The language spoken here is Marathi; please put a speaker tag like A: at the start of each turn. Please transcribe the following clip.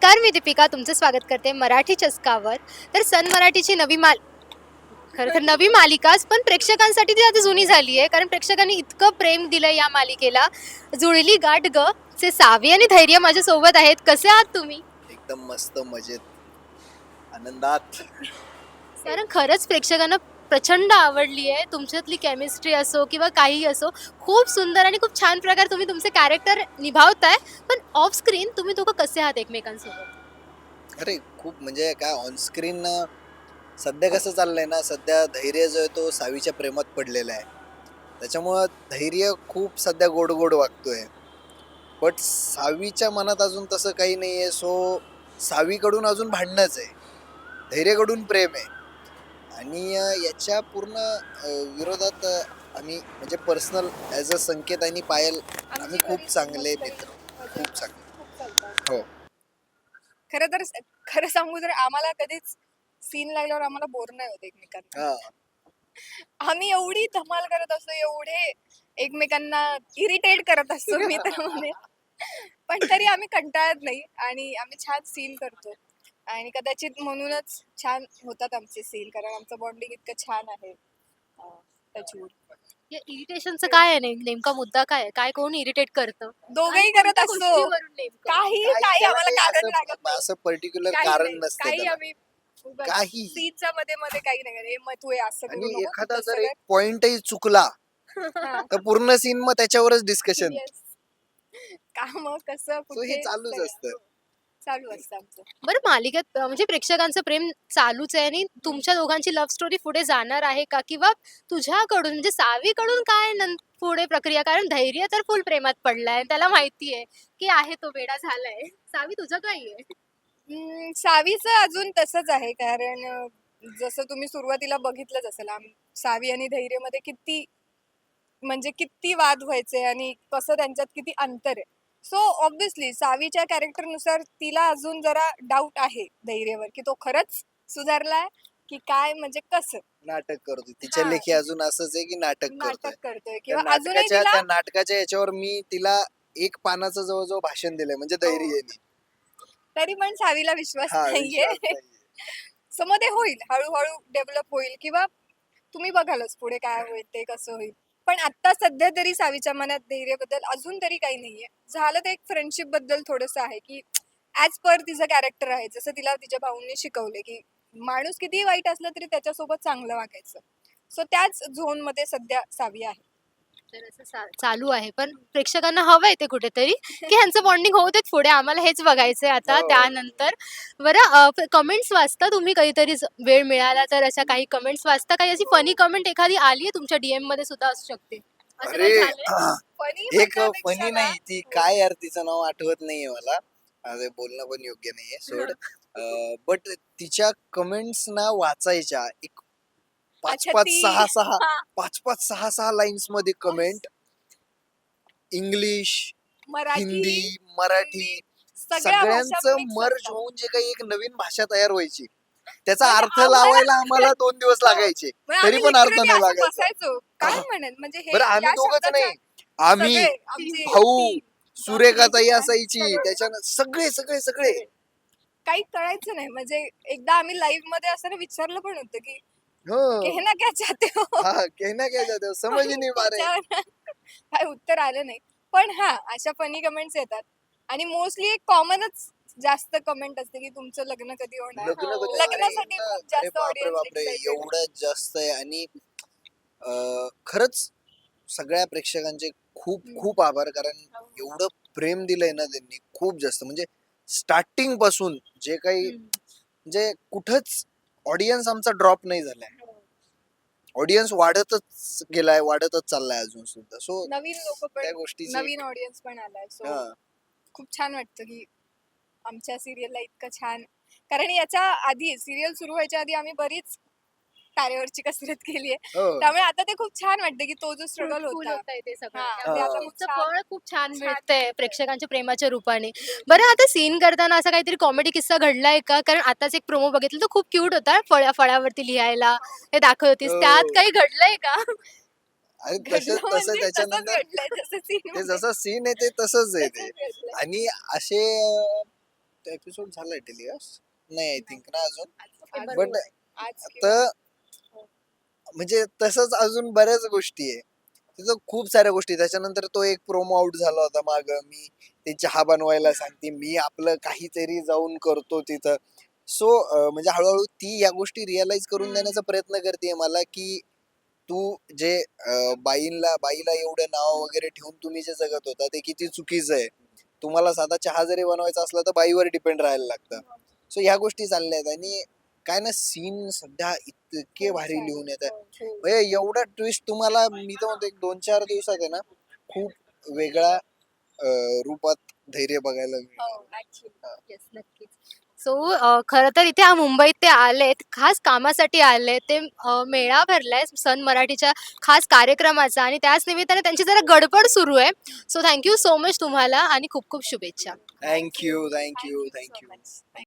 A: नमस्कार, मी दीपिका तुमचं स्वागत करते मराठी चस्कावर. तर सन मराठीची खरं तर नवी मालिकाच, पण प्रेक्षकांसाठी ती आता जुनी झाली आहे. कारण प्रेक्षकांनी इतकं प्रेम दिलं या मालिकेला. जुळली गाठ ग चे सावी आणि धैर्य माझ्यासोबत आहेत. कसे आहात तुम्ही?
B: एकदम मस्त मजेत आनंदात.
A: कारण खरंच प्रेक्षकांना प्रचंड आवडली आहे. तुमच्यातली केमिस्ट्री असो किंवा काही असो, खूप सुंदर आणि खूप छान प्रकारे तुम्ही तुमचे कॅरेक्टर निभावताय. पण ऑफ स्क्रीन तुम्ही दोघं कसे आहात एकमेकांसोबत?
B: अरे खूप म्हणजे काय ऑन स्क्रीन सध्या कसं चाललंय ना, सध्या धैर्य जो आहे तो सावीच्या प्रेमात पडलेला आहे. त्याच्यामुळं धैर्य खूप सध्या गोड गोड वागतोय. बट सावीच्या मनात अजून तसं काही नाहीये. सो सावीकडून अजून भांडणच आहे, धैर्यकडून प्रेम आहे. आणि याच्या पूर्ण विरोधात आम्ही म्हणजे पर्सनल ॲज अ संकेत आणि पायल आम्ही खूप चांगले मित्र, खूप चांगले. हो.
C: खरं तर खरं सांगू तर आम्हाला कधीच सीन लागल्यावर आम्हाला बोर नाही होत एकमेकांना.
B: हा.
C: आम्ही एवढी धमाल करत असतो, एवढे एकमेकांना इरिटेट करत असतो मी तर म्हणेन. पण तरी आम्ही कंटाळत नाही आणि आम्ही छान सीन करतो आणि कदाचित म्हणूनच छान होतात आमचे सीन, कारण आमचं बॉन्डिंग इतकं छान आहे. टचवूड.
A: या इरिटेशनचं काय आहे नेमका मुद्दा काय आहे? काय कोण इरिटेट करतं?
C: दोघंही
A: आणि
C: करत
A: कोणत्या
C: असतो.
A: गोष्टीवरून नेमकं?
C: काही
B: काही
C: काही
B: त्याला
C: आम्हाला
B: काही
C: कारण लागत नाही.
B: असं पर्टिक्युलर
C: काही
B: कारण
C: नाही,
B: नसतं
C: काही
B: त्याला.
C: आम्ही
B: काही
C: सीनच्या मध्ये मध्ये काही नाही करत. "ए, मग तू हे असं करू
B: आणि
C: नको, तू
B: एखादा
C: तसं
B: जर
C: कर."
B: एक पॉइंटही चुकला
C: हा.
B: तर पूर्ण सीन मग त्याच्यावरच डिस्कशन.
C: Yes. का मग कसं
B: सो हे
C: कुठे
B: चालूच
C: सगळं
B: असतं.
C: चालू असतं आमचं.
A: बरं मालिकेत म्हणजे प्रेक्षकांचं प्रेम चालूच आहे आणि तुमच्या दोघांची लव्ह स्टोरी पुढे जाणार आहे का? किंवा तुझ्याकडून म्हणजे सावीकडून काय पुढे प्रक्रिया? कारण धैर्य तर फुल प्रेमात पडलाय. त्याला माहिती आहे, की आहे तो वेडा झालाय. सावी तुझं काय आहे?
C: सावीचं अजून तसंच आहे, कारण जसं तुम्ही सुरुवातीला बघितलंच असेल, सावी आणि धैर्यमध्ये किती म्हणजे किती वाद व्हायचे आणि कसं त्यांच्यात किती अंतर आहे. सो ऑब्विसली सावीच्या कॅरेक्टरनुसार तिला अजून जरा डाऊट आहे धैर्यवर, की तो खरंच सुधारलाय की काय, म्हणजे कसं
B: नाटक करतोय तिच्या
C: हा
B: लेखी, अजून असंच आहे की नाटक करतोय.
C: नाटक करतोय
B: त्या
C: किंवा अजूनही
B: नाटकाच्या
C: तिला.
B: त्या नाटकाच्या याच्यावर मी तिला एक पानाचं जवळजवळ भाषण दिलंय, म्हणजे
C: हो,
B: धैर्याने.
C: तरी पण सावीला विश्वास
B: हा,
C: नाहीये.
B: विश्वास नाहीये.
C: सो मध्ये होईल, हळूहळू डेव्हलप होईल किंवा तुम्ही बघालच पुढे काय होईल ते कसं होईल. पण आता सध्या तरी सावीच्या मनात धैर्यबद्दल अजून तरी काही नाहीये. झालं तर एक फ्रेंडशिप बद्दल थोडंसं आहे, की ऍज पर तिचं कॅरेक्टर आहे, जसं तिला तिच्या भाऊंनी शिकवले, की माणूस कितीही वाईट असलं तरी त्याच्यासोबत चांगलं वागायचं. सो त्याच झोन मध्ये सध्या सावी आहे.
A: तर असं चालू आहे. पण प्रेक्षकांना हवंय ते कुठेतरी, की ह्यांचं बॉन्डिंग होऊ देत पुढे. आम्हाला हेच बघायचंय आता
B: हो.
A: त्यानंतर. बरं कमेंट्स वाचता तुम्ही कधीतरी वेळ मिळाला तर अशा काही कमेंट्स वाचता? काही अशी फनी कमेंट एखादी आली आहे तुमच्या डीएममध्ये सुद्धा असू शकते. असं
B: अरे
A: काही झालंय?
C: फनी
B: एक
C: म्हणण्यापेक्षा
B: फनी
C: ना,
B: नाही, ती काय यार तिचं नाव आठवत नाहीये मला. अरे बोलणं पण योग्य नाहीये, सोड. बट तिच्या कमेंट्स ना वाचायच्या एक पाच
C: अच्छा
B: पाच
C: ती
B: सहा सहा
C: हा,
B: पाच पाच सहा सहा लाईन्स मध्ये कमेंट. इंग्लिश,
C: मराठी,
B: हिंदी, मराठी,
C: हिंदी सगळ्या भाषा
B: सगळ्यांचं
C: मिक्स
B: मर्ज
C: असतात.
B: होऊन जे काही एक नवीन भाषा तयार व्हायची, त्याचा
C: म्हणजे
B: अर्थ
C: आम्हाला
B: लावायला आम्हाला 2 दिवस
C: हो.
B: लागायचे,
C: म्हणजे
B: तरी
C: आम्ही
B: पण अर्थ
C: लिटरली
B: नाही
C: असं
B: लागायचा.
C: बसायचो, काय म्हणेन म्हणजे हे
B: बरं आम्ही
C: या
B: दोघंच
C: शब्दाचा.
B: नाही, आम्ही,
C: सगळे आमचे
B: भाऊ,
C: टीम.
B: सुरेखा ताई
C: बापरे,
B: असायची,
C: सगळे
B: त्याच्यानं सगळे सगळे सगळे.
C: सगळे. काही कळायचं नाही, म्हणजे एकदा आम्ही लाईव्ह मध्ये असताना विचारलं पण होतं, की
B: हो.
C: कहना क्या चाहते हो.
B: हा, कहना क्या चाहते हो, समझ ही
C: पण
B: नहीं पा रहे.
C: त्याच्यावर काय उत्तर आलं नाही. पण हा, अशा फनी कमेंट्स येतात आणि मोस्टली एक कॉमनच जास्त कमेंट असते, की तुमचं लग्न कधी होणार.
B: लग्न कधी? अरे
C: लग्नासाठी
B: एवढं,
C: खूप
B: अरे
C: जास्त
B: बापरे
C: ऑडियन्स
B: बापरे,
C: एक्साइटेड.
B: एवढं जास्त आहे. आणि खरंच सगळ्या प्रेक्षकांचे खूप खूप आभार, कारण एवढं प्रेम दिलंय ना त्यांनी, खूप जास्त. म्हणजे स्टार्टिंग पासून जे काही म्हणजे कुठंच ऑडियन्स आमचा ड्रॉप नाही झालाय. ऑडियन्स वाढतच गेलाय, वाढतच चाललाय अजून सुद्धा. सो
C: नवीन लोक पण,
B: त्या गोष्टीची
C: नवीन ऑडियन्स पण आलाय. सो
B: हा.
C: खूप छान वाटतं, की आमच्या सिरियलला इतकं छान, कारण याच्या आधी सिरियल सुरू व्हायच्या आधी आम्ही बरीच तारेवरची कसरत केली आहे.
B: हो.
C: त्यामुळे आता ते खूप छान वाटतं, की तो जो स्ट्रगल
A: फ्रुटफुल
C: होता
A: होतंय ते सगळं.
C: हा,
A: त्यामुळे
C: ते आता खूप
A: तुमचं
C: छान
A: फळ खूप छान
C: छान
A: मिळतंय प्रेक्षकांच्या प्रेमाच्या रूपाने. बरं आता सीन करताना असा काहीतरी कॉमेडी किस्सा घडलाय का? कारण आताच एक प्रोमो बघितला तो खूप क्यूट होता. फळावरती लिहायला हे दाखवत होतीस. त्यात
B: हो.
A: काही घडलंय का?
B: आणि तसं
C: घडलं
B: तसं
C: म्हणजे तसंच
B: त्याच्यानंतर
C: घडलंय, जसं scene
B: ते
C: मध्ये
B: जसं सीन आहे ते तसंच आहे ते.
C: तसंच घडलंय.
B: आणि असे एपिसोड झालाय टेलिकास्ट नाही आय थिंक ना अजून
C: आज-
B: बट
C: आज किंवा-
B: आता म्हणजे तसंच अजून बऱ्याच गोष्टी आहे तिथं खूप साऱ्या गोष्टी त्याच्यानंतर तो एक प्रोमो आउट झाला होता माग मी ते चहा बनवायला सांगते मी आपलं काहीतरी जाऊन करतो तिथं सो म्हणजे हळूहळू ती या गोष्टी रिअलाइज करून देण्याचा प्रयत्न करते मला की तू जे बाईला एवढं नाव वगैरे ठेवून तुम्ही जे जगत होता ते किती चुकीचं आहे तुम्हाला साधा चहा जरी बनवायचा असला तर बाईवर डिपेंड राहायला लागतं सो ह्या गोष्टी चालल्या आहेत आणि काय ना सीन सध्या इतके भारी लिहून येत आहे म्हणजे एवढा ट्विस्ट तुम्हाला मी तर म्हणतो एक 2-4 दिवसात आहे ना खूप वेगळ्या रूपात धैर्य बघायला मिळेल
C: हो, actually.
A: येस नक्कीच सो खरं तर इथे मुंबईत ते आलेत खास कामासाठी आले ते मेळा भरलाय सन मराठीच्या खास कार्यक्रमाचा आणि त्याच निमित्ताने त्यांची जरा गडबड सुरू आहे सो थँक्यू सो मच तुम्हाला आणि खूप खूप शुभेच्छा
B: thank you
C: Thank you so
B: thank you
C: much.